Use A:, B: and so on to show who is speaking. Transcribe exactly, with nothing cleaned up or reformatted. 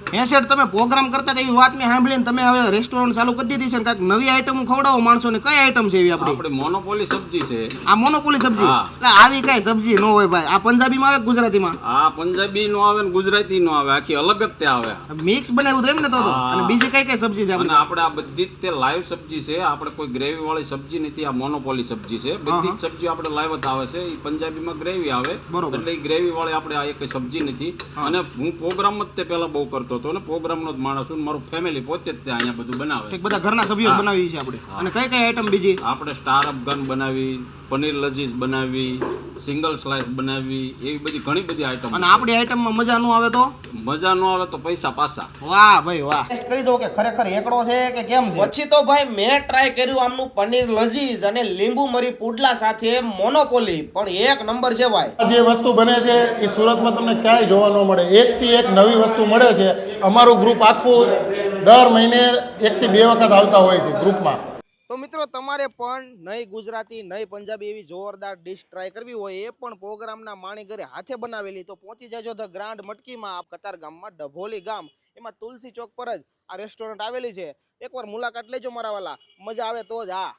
A: હે શેઠ, તમે પ્રોગ્રામ કરતા હતા એવી વાત મેં સાંભળીને તમે હવે રેસ્ટોરન્ટ ચાલુ કરી દીધી છે ને કાંઈક નવી આઈટમ ખવડાવો માણસોને. કઈ આઈટમ છે એવી આપણી?
B: આપણે મોનોપોલી સબ્જી છે.
A: આ મોનોપોલી સબ્જી?
B: હા.
A: એટલે આવી કઈ સબ્જી ન હોય ભાઈ. આ પંજાબીમાં આવે કે ગુજરાતીમાં?
B: આ પંજાબી નો આવે ને ગુજરાતી નો આવે, આખી અલગ જ તે આવે.
A: મિક્સ બનાવ્યું હતું એમ ને તો તો?
B: હા.
A: અને બીજી કઈ કઈ સબ્જી છે
B: અને
A: આપણી?
B: આપણે આ બધી જ તે લાઈવ સબ્જી છે. આપણે કોઈ ગ્રેવી વાળી સબ્જી નથી, આ મોનોપોલી સબ્જી છે. બધી જ સબ્જી આપણે લાઈવ જ આવે છે. એ પંજાબીમાં ગ્રેવી આવે,
A: બરોબર.
B: એટલે એ ગ્રેવી વાળી આપણે આ એક સબ્જી નથી. અને હું પ્રોગ્રામ જ તે પહેલા બહુ કરતો હતો ને પ્રોગ્રામનો જ માણસ છું. મારું ફેમિલી પોતે જ તે અહીંયા બધું બનાવે છે.
A: ઠીક, બધા ઘરના સભ્યો જ બનાવી છે આપણે. અને કઈ કઈ આઈટમ બીજી?
B: આપણે સ્ટાર અફઘાન બનાવી, પનીર લજીઝ બનાવી, સિંગલ સ્લાઇસ બનાવી, એવી બધી ઘણી બધી આઈટમ.
A: અને આપણી આઈટમમાં મજા ન આવે તો?
B: મજા ન આવે તો પૈસા પાછા.
A: વાહ ભાઈ વાહ. ટેસ્ટ કરી દો કે ખરેખર એકડો છે કે કેમ છે. પછી તો ભાઈ મેં ટ્રાય કર્યું આમનું પનીર લજીઝ અને લીંબુ મરી પુડલા સાથે મોનોપોલી, પણ એક નંબર છે ભાઈ.
C: આ જે વસ્તુ બને છે એ સુરતમાં તમને ક્યાંય જોવા ન મળે. એકથી એક નવી વસ્તુ મળે છે. અમારું ગ્રુપ આખું દર મહિને એકથી બે વખત આવતા હોય છે ગ્રુપમાં.
A: તો મિત્રો, તમારે પણ નહીં ગુજરાતી નહીં પંજાબી એવી જોરદાર ડિશ ટ્રાય કરવી હોય, એ પણ પ્રોગ્રામના માણી ઘરે હાથે બનાવેલી, તો પહોંચી જજો ધ ગ્રાન્ડ મટકીમાં, કતાર ગામમાં, ડભોલી ગામ. એમાં તુલસી ચોક પર જ આ રેસ્ટોરન્ટ આવેલી છે. એકવાર મુલાકાત લેજો મારા વાલા, મજા આવે તો જ. હા.